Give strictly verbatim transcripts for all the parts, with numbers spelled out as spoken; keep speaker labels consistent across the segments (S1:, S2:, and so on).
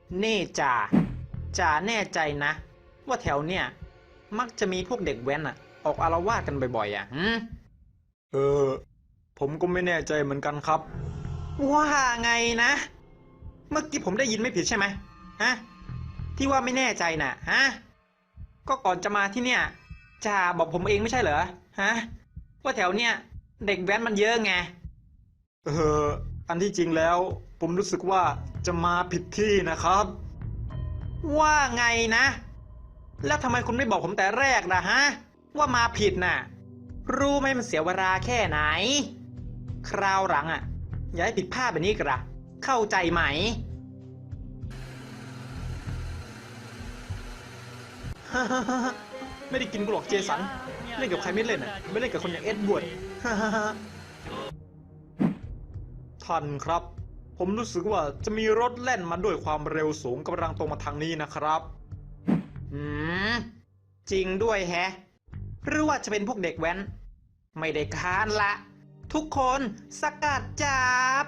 S1: นี่จ่าจ่าแน่ใจนะว่าแถวเนี่ยมักจะมีพวกเด็กแว้นอะออกอาละวาดกันบ่อยๆอะหืมเออผมก็ไม่แน่ใจเหมือนกันครับว่าไงนะเมื่อกี้ผมได้ยินไม่ผิดใช่ไหมฮะที่ว่าไม่แน่ใจน่ะฮะก็ก่อนจะมาที่เนี่ยจ่าบอกผมเองไม่ใช่เหรอฮะว่าแถวเนี่ยเด็กแว้นมันเยอะไงเอออันที่จริงแล้วผมรู้สึกว่าจะมาผิดที่นะครับว่าไงนะแล้วทำไมคุณไม่บอกผมแต่แรกนะฮะว่ามาผิดน่ะรู้ไหมมันเสียเวลาแค่ไหนคราวหลังอ่ะอย่าให้ผิดพลาดแบบนี้กระเข้าใจไหมไม่ได้กินกูหรอกเจสันเล่นกับใครไม่เล่นอ่ะไม่เล่นกับคนอย่างเอ็ดบวดท่านครับผมรู้สึกว่าจะมีรถแล่นมาด้วยความเร็วสูงกำลังตรงมาทางนี้นะครับอืมจริงด้วยแฮะหรือว่าจะเป็นพวกเด็กแว้นไม่ได้ค้านละทุกคนสกัดจับ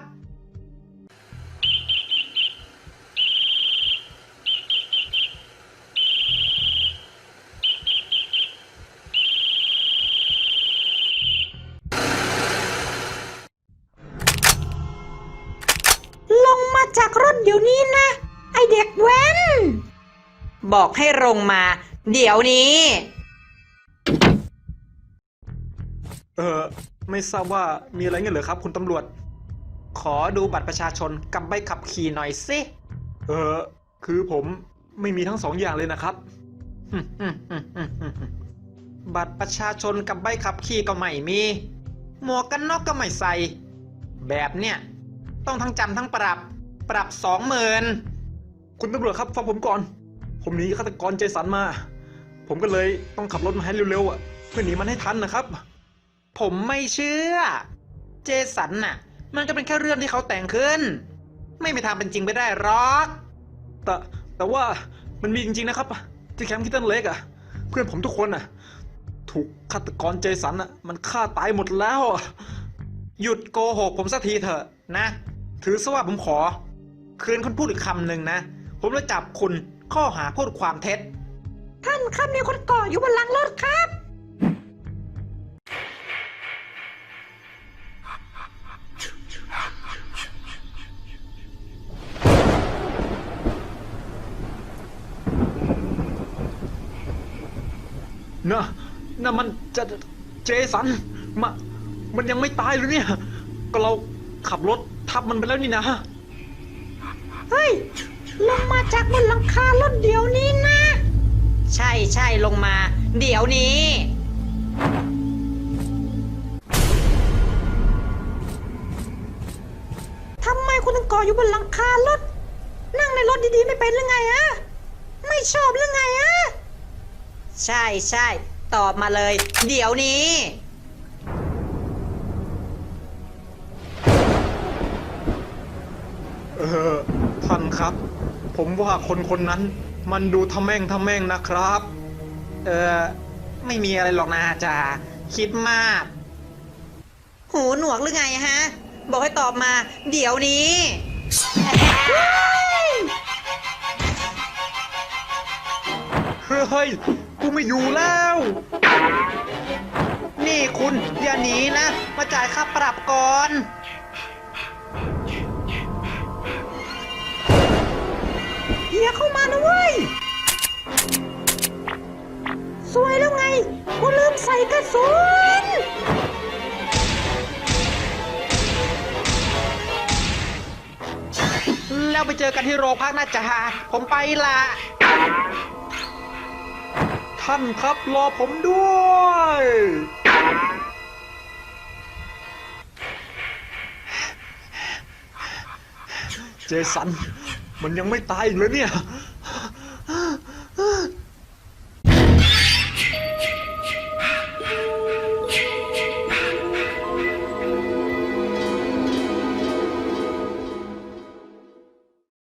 S2: ลงมาจากรถเดี๋ยวนี้นะไอเด็กแว้น
S1: บอกให้ลงมาเดี๋ยวนี้เออไม่ทราบว่ามีอะไรเงี้ยเหรอครับคุณตำรวจขอดูบัตรประชาชนกับใบขับขี่หน่อยสิเออคือผมไม่มีทั้งสองอย่างเลยนะครับบัตรประชาชนกับใบขับขี่ก็ไม่มีหมวกกันน็อกก็ไม่ใส่แบบเนี้ยต้องทั้งจำทั้งปรับปรับสองหมื่นคุณตำรวจครับฟังผมก่อนผมหนีฆาตกรเจสันมาผมก็เลยต้องขับรถมาให้เร็วๆอ่ะเพื่อหนีมันให้ทันนะครับผมไม่เชื่อเจสันน่ะมันก็เป็นแค่เรื่องที่เขาแต่งขึ้นไม่มีทางเป็นจริงไปได้หรอกแต่แต่ว่ามันมีจริงๆนะครับที่แคมป์คิตตันเล็กอ่ะเพื่อนผมทุกคนอ่ะถูกฆาตกรเจสันอ่ะมันฆ่าตายหมดแล้วหยุดโกหกผมสักทีเถอะนะถือซะว่าผมขอคืนคุณพูดอีกคำหนึ่งนะผมจะจับคุณข้อหาพูดความเท็จ
S2: ท่านครับมีคนก่ออยู่บนหลังรถครับ
S1: นะน่ะมันจะเจสันมามันยังไม่ตายเลยเนี่ยก็เราขับรถทับมันไปแล้วนี่นะ
S2: เฮ้ยลงมาจากบนหลังคารถเดี๋ยวนี้นะ
S1: ใช่ใช่ลงมาเดี๋ยวนี้
S2: ทำไมคุณถึงก่ออยู่บนหลังคารถนั่งในรถดีๆไม่เป็นหรือไงอะไม่ชอบหรือไงอะ
S1: ใช่ใช่ตอบมาเลยเดี๋ยวนี้เออท่านครับผมว่าคนคนนั้นมันดูทะแม่งทะแม่งนะครับเออไม่มีอะไรหรอกนะจ่าคิดมากหูหนวกหรือไงฮะบอกให้ตอบมาเดี๋ยวนี้เฮ้ยกูไม่อยู่แล้วนี่คุณอย่าหนีนะมาจ่ายค่าปรับก่อน
S2: อย่าเข้ามานะเว้ยสวยแล้วไงกูลืมใส่กระสุน
S1: แล้วไปเจอกันที่โรงพักนะจ๊ะผมไปละท่านครับรอผมด้วยเจสันมันยังไม่ตายอีกเลยเนี่ย